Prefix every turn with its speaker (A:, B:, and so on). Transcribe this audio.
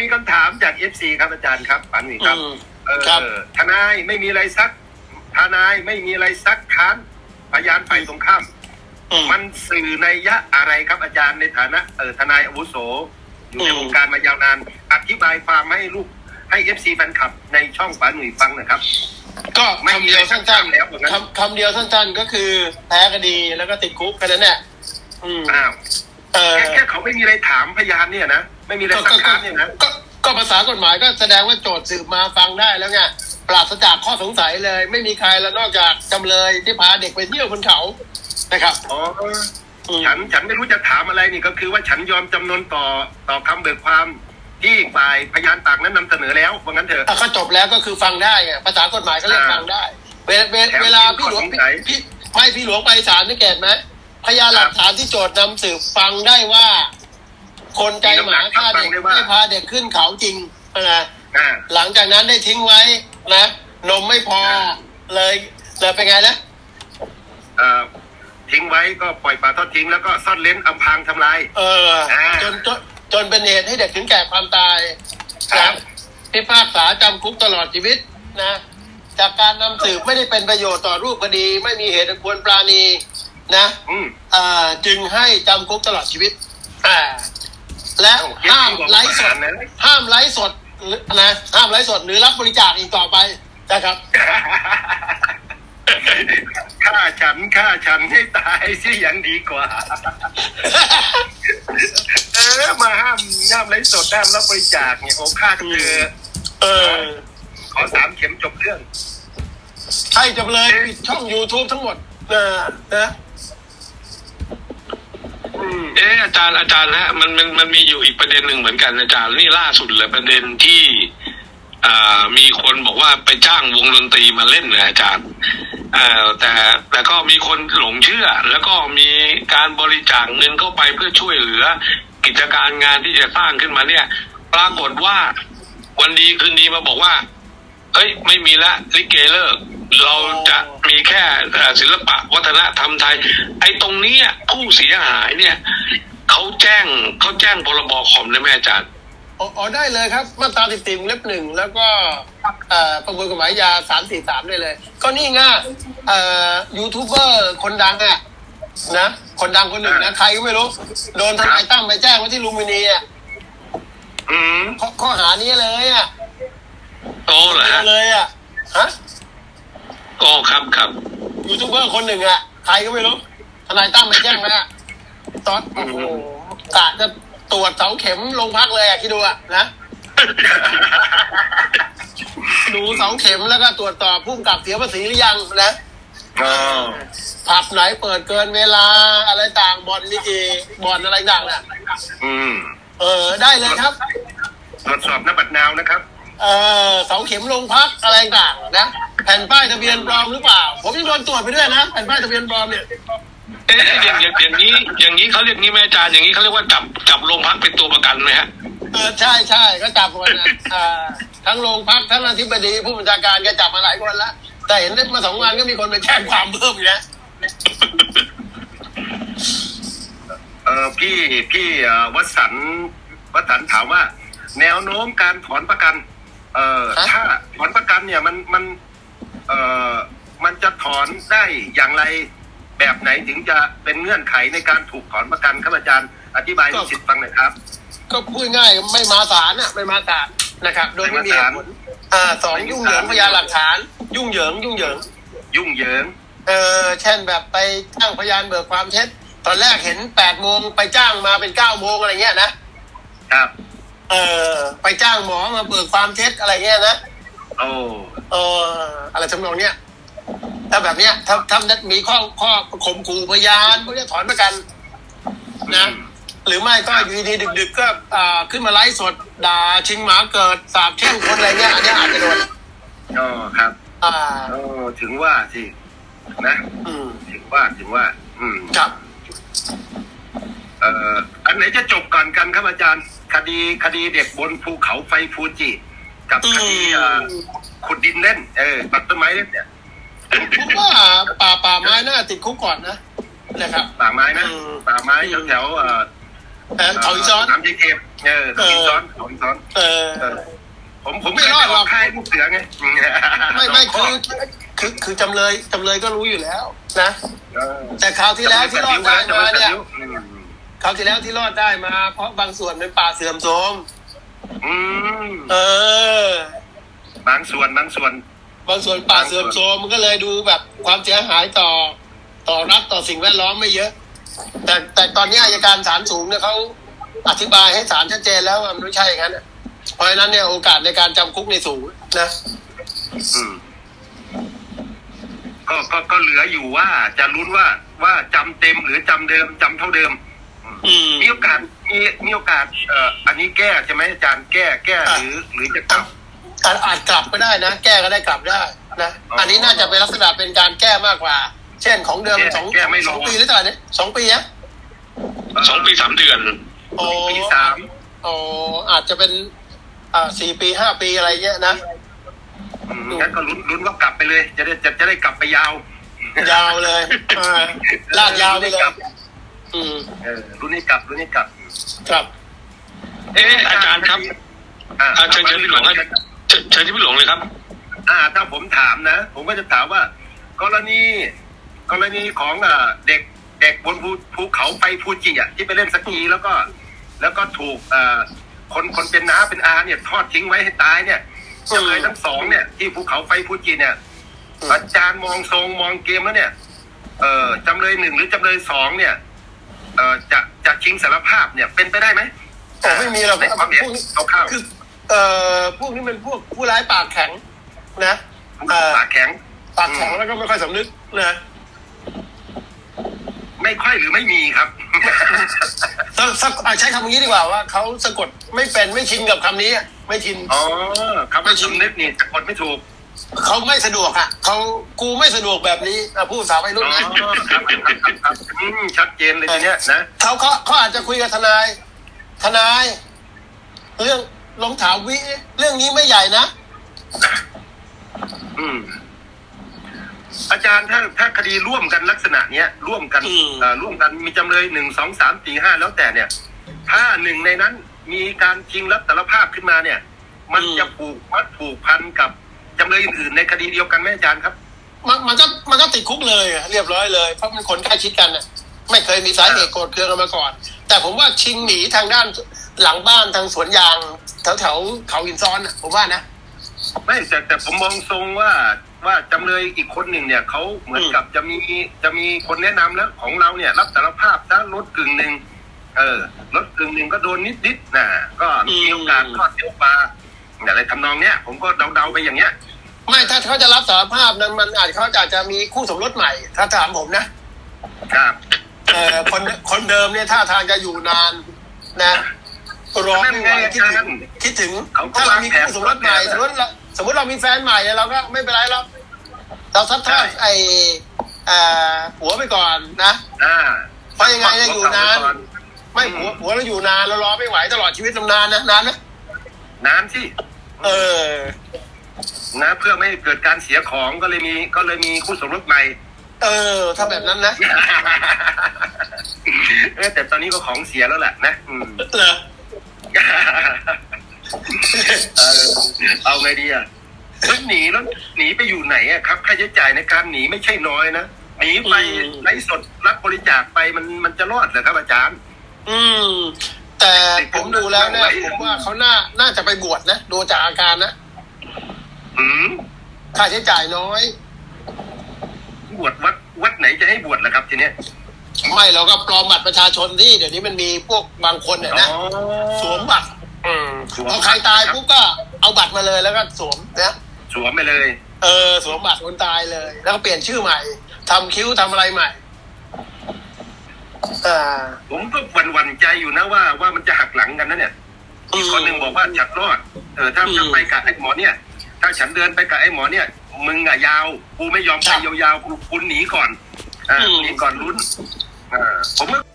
A: มีคำถามจาก FC ครับอาจารย์ครับปันนี่ครับ
B: ครับ
A: ทนายไม่มีอะไรซักทนายไม่มีอะไรซักค้านพยานฝ่ายตรงข้ามมันสื่อนัยยะอะไรครับอาจารย์ในฐานะทนายอาวุโสอยู่ในวงการมายาวนานอธิบายความให้ลูกให้ FC แฟนคลับในช่องป๋าหนุ่ยฟังนะครับ
B: ก็คำเดียวสั้นๆคำเดียวสั้นๆก็คือแพ้คดีแล้วก็ติดคุกกันนั่นแหละ
A: อ้าวแค่เขาไม่มีอะไรถามพยานเนี่ยนะไม่มีอะไรซักค้านเนี่ยนะ
B: ก็ภาษากฎหมายก็แสดงว่าโจทย์สืบมาฟังได้แล้วไงปราศจากข้อสงสัยเลยไม่มีใครแล้วนอกจากจำเลยที่พาเด็กไปเที่ยวบนเขานะครับ
A: อ๋อฉันไม่รู้จะถามอะไรนี่ก็คือว่าฉันยอมจำนนต่อคำเบิกความที่ฝ่ายพยานต่างนั้นนำเสนอแล้วว่างั้นเถอะ
B: ก็จบแล้วก็คือฟังได้ไงภาษากฎหมายก็เรียกฟังได้เวลาพี่หลวงพี่หลวงไปศาลนี่เกตไหมพยานหลักฐานที่โจทย์นำสืบฟังได้ว่าคนใจหมาฆ่าเด็กไม่พาเด็กขึ้นเขาจริงนะหลังจากนั้นได้ทิ้งไว้นะนมไม่พอเลยเป็นไงนะ
A: ทิ้งไว้ก็ปล่อยปลาทอดทิ้งแล้วก็ซ่อนเล้นอำพรางทำลาย
B: จนเป็นเหตุให้เด็กถึงแก่ความตายครับพิพากษาจำคุกตลอดชีวิตนะจากการนำสืบไม่ได้เป็นประโยชน์ต่อรูปคดีไม่มีเหตุอันควรปราณีนะจึงให้จำคุกตลอดชีวิตและห้ามไลฟ์สดนะห้ามไลฟ์สดหรือรับบริจาคอีกต่อไปนะครับ
A: ฆ่าฉันให้ตายสิยังดีกว่ามาห้ามไลฟ์สดห้ามรับบริจาคเนี่ยโอ้ฆ่าขอ3 เข็มจบเรื่อง
B: ให้จบเลยปิดช่อง YouTube ทั้งหมดนะ
C: อาจารย์นะมันมีอยู่อีกประเด็นหนึ่งเหมือนกันอาจารย์นี่ล่าสุดเลยประเด็นที่มีคนบอกว่าไปจ้างวงดนตรีมาเล่นนะอาจารย์แต่ก็มีคนหลงเชื่อแล้วก็มีการบริจาคเงินเข้าไปเพื่อช่วยเหลือกิจการงานที่จะสร้างขึ้นมาเนี่ยปรากฏว่าวันดีคืนดีมาบอกว่าเฮ้ยไม่มีละลิเกเลิกเราจะมีแค่ศิลปะวัฒนธรรมไทยไอ้ตรงนี้ผู้เสียหายเนี่ยเขาแจ้งพรบคอมได้ไหมอาจารย์
B: อ๋อได้เลยครับมาตรา14 เล็บ 1แล้วก็ประมวลกฎหมายยา343ได้เลยก็นี่ไงยูทูบเบอร์คนดังนะคนดังคนหนึ่งนะใครก็ไม่รู้โดนทนายตั้มไปแจ้งไว้ที่ลุมพินีข้อหานี้เลย
C: โอ้เหรอฮะ
B: เลยฮะ
C: โอ้ครับ
B: ยูทูบเบอร์คนหนึ่งใครก็ไม่รู้ทนายตั้มไปแจ้งนะตอนโอ้โหกะจะตรวจเสาเข็มลงพักเลยคิดดูนะดูเสาเข็มแล้วก็ตรวจสอบผู้กำกับเสียภาษีหรือยังนะผับไหนเปิดเกินเวลาอะไรต่างบ่อนนี่บ่อนอะไรต่างได้เลยครับ
A: ตรวจสอบหน้าบัตรนาวนะครับ
B: เสาเข็มลงพักอะไรต่างนะแผ่นป้ายทะเบียนปลอมหรือเปล่าผมยังโดนตรวจไปด้วยนะแผ่นป้ายทะเบียนปลอมเนี่ย
C: อย่างนี้เขาเรียกงี้แม่อาจารย์อย่างนี้เขาเรียกว่าจับโรงพักเป็นตัวประกันไหมฮะ
B: ใช่ก็จับคนทั้งโรงพักทั้งอธิบดีผู้บัญชาการก็จับมาหลายคนแล้วแต่เห็นได้มา2 วันก็มีคนไปแจ้งความเพิ่มอีกนะ
A: พี่วสันต์ถามว่าแนวโน้มการถอนประกันถ้าถอนประกันเนี่ยมันจะถอนได้อย่างไรแบบไหนถึงจะเป็นเงื่อนไขในการถูกถอนประกันครับอาจารย์อธิบายสิทธิ์ฟังหน่อยครับ
B: ก็พูดง่ายไม่มาศาลนะครับโดยไม่มีเหตุผล2ยุ่งเหยิงพยานหลักฐานยุ่งเหยิงเช่นแบบไปจ้างพยานเบิกความเท็จตอนแรกเห็น8 โมงไปจ้างมาเป็น9 โมงอะไรเงี้ยนะครับไปจ้างหมอมาเบิกความเท็จอะไรเงี้ยนะอะไรทำนองเนี้ยถ้าแบบเนี้ยถ้ามีข้อข่มขู่พยานพวกนี้ถอนประกันนะหรือไม่ก็อยู่ดีดึกๆก็ขึ้นมาไลฟ์สดด่าชิงหมาเกิดสาบแช่งคนอะไรเงี้ยอันนี้อาจจะโดน
A: ครับถึงว่าสินะถึงว่า
B: ครับ
A: อันไหนจะจบก่อนกันครับอาจารย์คดีเด็กบนภูเขาไฟฟูจิกับคดีขุดดินเล่นตัดต้นไม้เล่นเนี่ย
B: ผมว่าป่าไม้น่าติดคุกก่อนนะครับ
A: ป่าไม้แถว
B: เขาอีซ้อน
A: น้ำเย็นเขาอีซ้อนผม
B: ไม่รอดหรอก
A: ค่ายลูกเสือไง
B: ไม่คือจำเลยก็รู้อยู่แล้วนะ
A: เออ
B: แต่คราวที่แล้วที่รอดได้มาเนี่ย
A: อืม
B: คราวที่แล้วที่รอดได้มา เพราะบางส่วนเป็นป่าเสื่อมโทรม
A: อืม
B: เออ
A: บางส่วน
B: บางส่วนป่าเสื่อมโทรมมันก็เลยดูแบบความเสียหายต่อรัฐต่อสิ่งแวดล้อมไม่เยอะ แต่ตอนนี้อัยการศาลสูงเนี่ยเขาอธิบายให้ศาลชัดเจนแล้วว่ามันไม่ใช่อย่างนั้นน่ะเพราะฉะนั้นเนี่ยโอกาสในการจำคุกในสูงนะ
A: อืมก็เหลืออยู่ว่าจะลุ้นว่าจำเต็มหรือจำเดิมจำเท่าเดิม มีโอกาสมีโอกาสอันนี้แก้ใช่ไหมอาจารย์แก้หรือจะกลับ
B: อาจกลับก็ได้นะแก้ก็ได้กลับได้นะอันนี้น่าจะเป็นลักษณะเป็นการแก้มากกว่า เช่นของเดิมสองปีหรือเท่าไหร่เนี่ย2 ปีอะ
C: 2 ปี 3 เดือน
B: โอ้
A: ปี 3
B: โอ้อาจจะเป็น4 ปี 5 ปีอะไรเงี้ยนะ
A: งั้นก็ลุ้นว่ากลับไปเลย จะได้กลับไปยาว
B: ยาวเลยลากยาวไปเลย
A: ลุ้นให้กลับ
B: ครับ
C: อาจารย์ครับเชิญพี่หลงเชิญพี่หลงเลยครับ
A: ถ้าผมถามนะ ผมก็จะถามว่ากรณีของเด็กบนภูเขาไฟฟูจิอ่ะที่ไปเล่นสกีแล้วก็ถูกคนเป็นน้าเป็นอาเนี่ยทอดทิ้งไว้ให้ตายเนี่ยจำเลยทั้งสองเนี่ยที่ภูเขาไฟฟูจิเนี่ยอาจารย์มองเกมแล้วเนี่ยจำเลย 1หรือจำเลย 2เนี่ยจะชิงสารภาพเนี่ยเป็นไปได้ไหม
B: ไม่มีหรอก
A: ในความเห็นเข้า
B: คือพวกนี้เป็นพวกผู้ร้ายปากแข็งนะ
A: ปากแข็ง
B: แล้วก็ไม่ค่อยสำนึกนะ
A: ไม่ค่อยหรือไม่มีครับ
B: ใช้คำนี้ดีกว่าว่าเขาสะกดไม่เป็นไม่ชินกับคำนี้ไม่ชิน
A: คำว่าชินนึกนี่สะกดไม่ถูก
B: เขาไม่สะดวกกูไม่สะดวกแบบนี้พูดภาษาวัยรุ่น
A: ชัดเจนเลยทีเนี้ยนะ
B: เขาอาจจะคุยกับทนายเรื่องลงถามวิเรื่องนี้ไม่ใหญ่นะ
A: อาจารย์ถ้าคดีร่วมกันลักษณะเนี้ยร่วมกันมีจำเลย1 2 3 4 5แล้วแต่เนี่ยถ้าหนึ่งในนั้นมีการชิงรับสารภาพขึ้นมาเนี่ยมันจะผูกพันกับจำเลยอื่นๆในคดีเดียวกันไหมอาจารย์ครับ
B: มันก็ติดคุกเลยเรียบร้อยเลยเพราะมันคนใกล้ชิดกันน่ะไม่เคยมีสาเหตุโกรธเคืองกันมาก่อนแต่ผมว่าชิงหนีทางด้านหลังบ้านทางสวนยางแถวเขาหินซ้อนน่ะผมว่านะ
A: ไม่แต่ผมมองทรงว่าจำเลยอีกคนหนึ่งเนี่ยเขาเหมือนกับจะมีคนแนะนำแล้วของเราเนี่ยรับสารภาพถ้าลด1/2ลด1/2ก็โดนนิดนะก็มีโอกาสทอดเที่ยวปลาอะไรทำนองเนี้ยผมก็เดาไปอย่างเงี้ย
B: ไม่ถ้าเขาจะรับสารภาพนั้นมันอาจจะมีคู่สมรสใหม่ถ้าถามผมนะครับคนเดิมเนี่ยท่าทางจะอยู่นานนะรอไม่ไหวคิดถึงถ้าเรามีคู่สมรสใหม่สมมติเรามีแฟนใหม่เราก็ไม่เป็นไรหรอกเราซัดทอดผัวไปก่อนนะเพราะยังไงจะอยู่นานไม่ผัวเราอยู่นานเรารอไม่ไหวตลอดชีวิตนานนะนานนะ
A: นานสินะเพื่อไม่เกิดการเสียของก็เลยมีคู่สมรสใหม่
B: ถ้าแบบนั้นนะ
A: แต่ตอนนี้ก็ของเสียแล้วแหละนะเอาไงดีแล้วหนีไปอยู่ไหนครับค่าใช้จ่ายในการหนีไม่ใช่น้อยนะหนีไปไลฟ์สดรับบริจาคไปมันจะรอดเหรอครับอาจารย์
B: แต่ผมดูแล้วเนี่ยผมว่าเขาน่าจะไปบวชนะดูจากอาการนะค่าใช้จ่ายน้อย
A: บวชวัดไหนจะให้บวชล่ะครับทีเนี้ย
B: ไม่เราก็ปลอมบัตรประชาชนที่เดี๋ยวนี้มันมีพวกบางคนเนี่ยนะสวมบัตรพอใครตายปุ๊บก็เอาบัตรมาเลยแล้วก็สวมนะ
A: สวมไปเลย
B: สวมบัตรคนตายเลยแล้วก็เปลี่ยนชื่อใหม่ทำคิ้วทำอะไรใหม่
A: ผมก็หวั่นใจอยู่นะว่ามันจะหักหลังกันนะเนี่ยอีกคนหนึ่งบอกว่าฉันรอดถ้าไปกับไอ้หมอเนี่ยถ้าฉันเดินไปกับไอ้หมอเนี่ยมึงยาวกูไม่ยอมไปยาวๆคุณหนีก่อนลุ้นผม